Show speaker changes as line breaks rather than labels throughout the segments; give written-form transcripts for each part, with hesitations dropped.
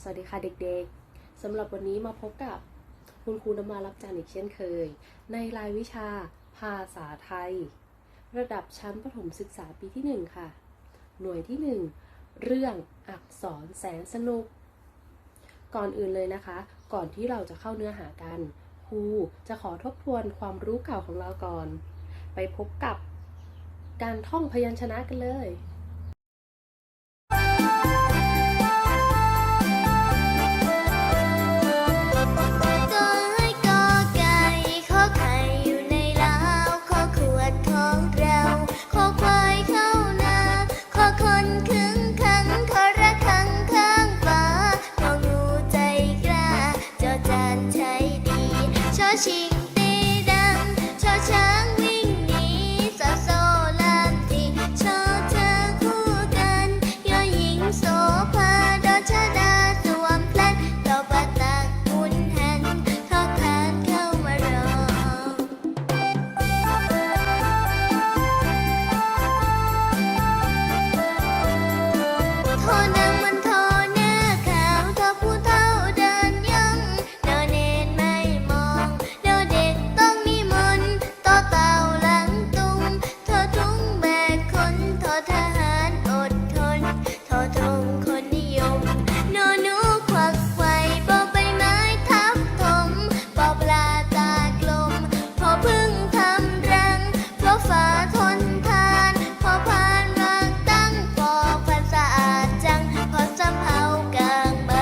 สวัสดีค่ะเด็กๆ สำหรับวันนี้มาพบกับคุณครูน้ำมารับจานอีกเช่นเคยในรายวิชาภาษาไทยระดับชั้นประถมศึกษาปีที่1ค่ะหน่วยที่1เรื่องอักษรแสนสนุกก่อนอื่นเลยนะคะก่อนที่เราจะเข้าเนื้อหากันครูจะขอทบทวนความรู้เก่าของเราก่อนไปพบกับการท่องพยัญชนะกันเลย
ชิงตีดังชอช้างวิ่งหนีสอโซลามทีชอเธอคู่กันยอหญิงโสภาดอชดาสวมพลัดต่อปะตักหุนหันทอคานเข้ามารอโทนางมันโทหน้าขาวทอผู้เฒ่าเดินย่องนอเนนไม่มองเด็กต้องมีมนต์ต่อเต่าหลังตุงทอทุงแบกคนทอทหารอดทนทอธงคนนิยมนอหนูควักไขว่ปอใบไม้ทับถมปอปลาตากลมพอพึ่งทำรังเพราะฟ้าทนทานพอพานวางตั้งปอพันสะอาดจังพอสำเภากลางใบ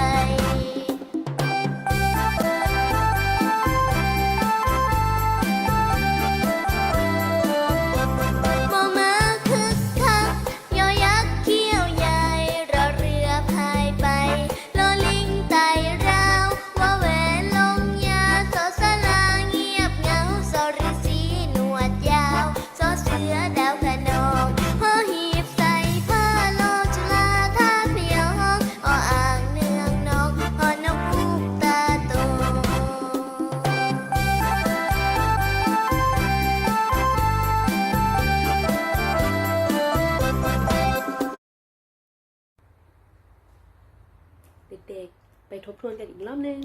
มอม้าคึกคักยอยักษ์เขี้ยวใหญ่รอเรือพายไปลอลิงไต่ราวว่าแหวนลงยาสอสลาเงียบเหงาสอฤาษีหนวดยาวสอเสือดาวขนองพอหีบใส่ผ้าโลกจุฬาท่าพยองออ่างเนืองนกหอนกฮูกตาโต
เด็กๆไปทบทวนกันอีกรอบนึง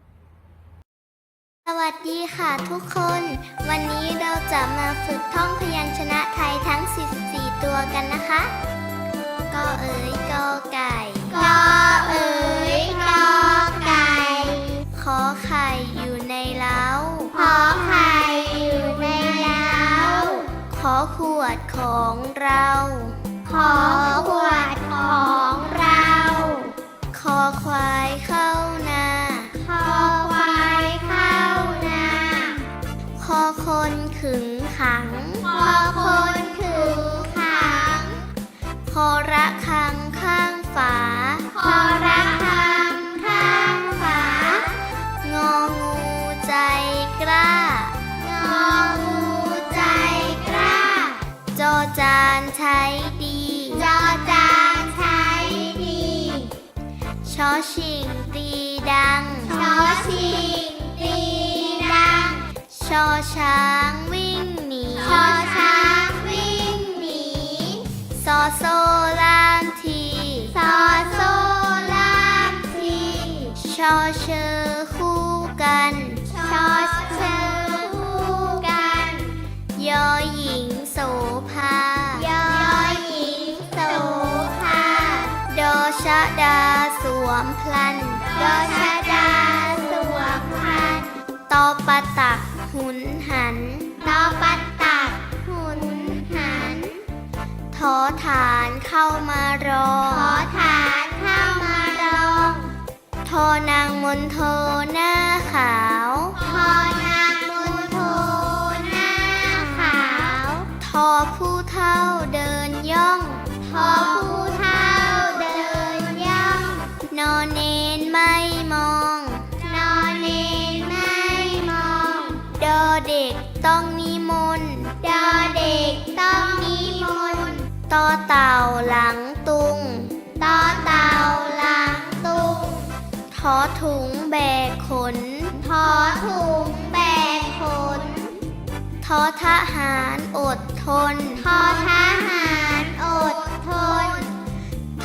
สวัสดีค่ะทุกคน วันนี้เราจะมาฝึกท่องพยัญชนะไทยทั้ง 44 ตัวกันนะคะกอเอ๋ยกอไก่กอเอ๋ยกอไก่ขอไข่อยู่ในเล้าขอไข่อยู่ในเล้าขอขวดของเราขอขวดของเราคอควายเข้านาคอควายเข้านาคอคนขึงขังคอคนขึงขังคอระฆังข้างฝาคอระฆังข้างฝางองูใจกล้างองูใจกล้าจอจานใช้ดีจอจานใช้ดีชอชิงตีดังชอชิงตีดังชอช้างวิ่งหนีชอช้างวิ่งหนีซอโซลามทีซอโซลามทีชอเชอคู่กันชอเชอคู่กันยอหญิงโสภายอหญิงโสภาดอชะดาสวมพลันดอชะดาสวมพลันตอปะตักหุนหันตอปะตักหุนหันทอฐานเข้ามารอทอฐานเข้ามารองทอนางมนโทหน้าขาวทอนางมนโทหน้าขาวทอผู้เฒ่าเดินย่องทอผู้เฒ่าเดินย่องนอเนนไม่มองนอเนนไม่มองดอเด็กต้องนิมนต์ดอเด็กต้องนิมนต์ตอเต่าหลังตุงตอเต่าหลังตุงทอถุงแบกขนทอถุงแบกขนทอทหารอดทนทอทหารอดทนท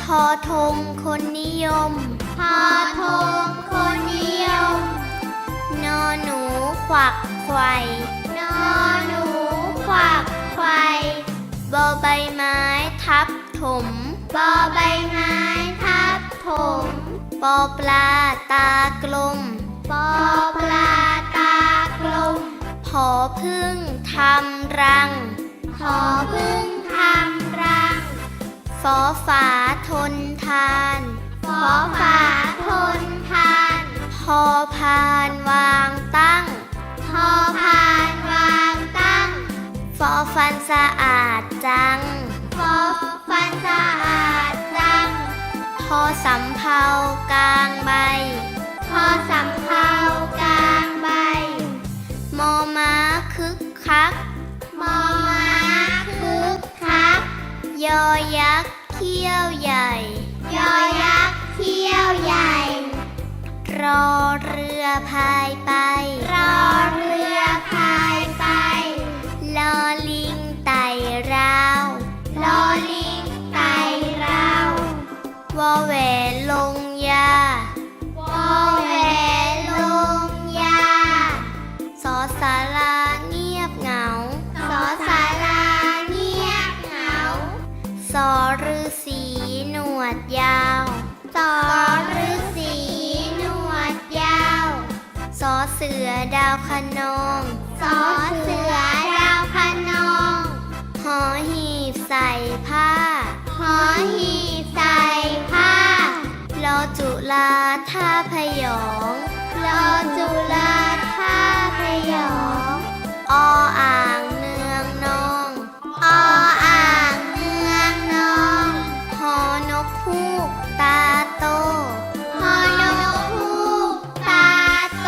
ทอทงคนนิยมทอทงคนนิยมนอหนูขวักไขว่นอหนูขวักไขว่บอใบไม้ทับถมบอใบไม้ทับถมปอปลาตากลมปอปลาตากลมผอพึ่งทำรังผอพึ่งทำรังฝอฝาทนทานฝอฝาทนทานพอพานวางตั้งพอพานวางตั้งฟอฟันสะอาดจังฟอฟันสะอาดจังพอสำเภากลางใบพอสำเภากลางใบมอม้าคึกคักมอม้าคึกคักยอยักษ์เขี้ยวใหญ่ยอยักษ์เขี้ยวใหญ่รอเรือพายไปรอเรือพายไปลอลิงไต่ราวลอลิงไต่ราววอแหวนลงยาวอแหวนลงยาสอสาราเงียบเหงาสอสาราเงียบเหงาสอฤาษีหนวดยาวสอฤาษีหนวดยาวสอเสือดาวคะนองสอเสือดาวคะนองหอหีบใส่ผ้าหอหีบใส่ผ้ารอจุฬาท่าพยองรอจุฬาท่าพยองออ่างเนืองนองออ่างเนืองนองหอนกฮูกตาโตหอนกฮูกตาโต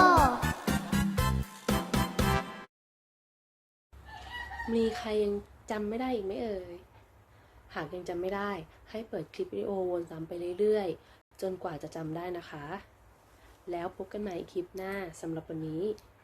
มีใครยังจำไม่ได้อีกไหมเอ่ย หากยังจำไม่ได้ให้เปิดคลิปวิดีโอวนซ้ำไปเรื่อยๆ จนกว่าจะจำได้นะคะ แล้วพบกันใหม่คลิปหน้าสำหรับวันนี้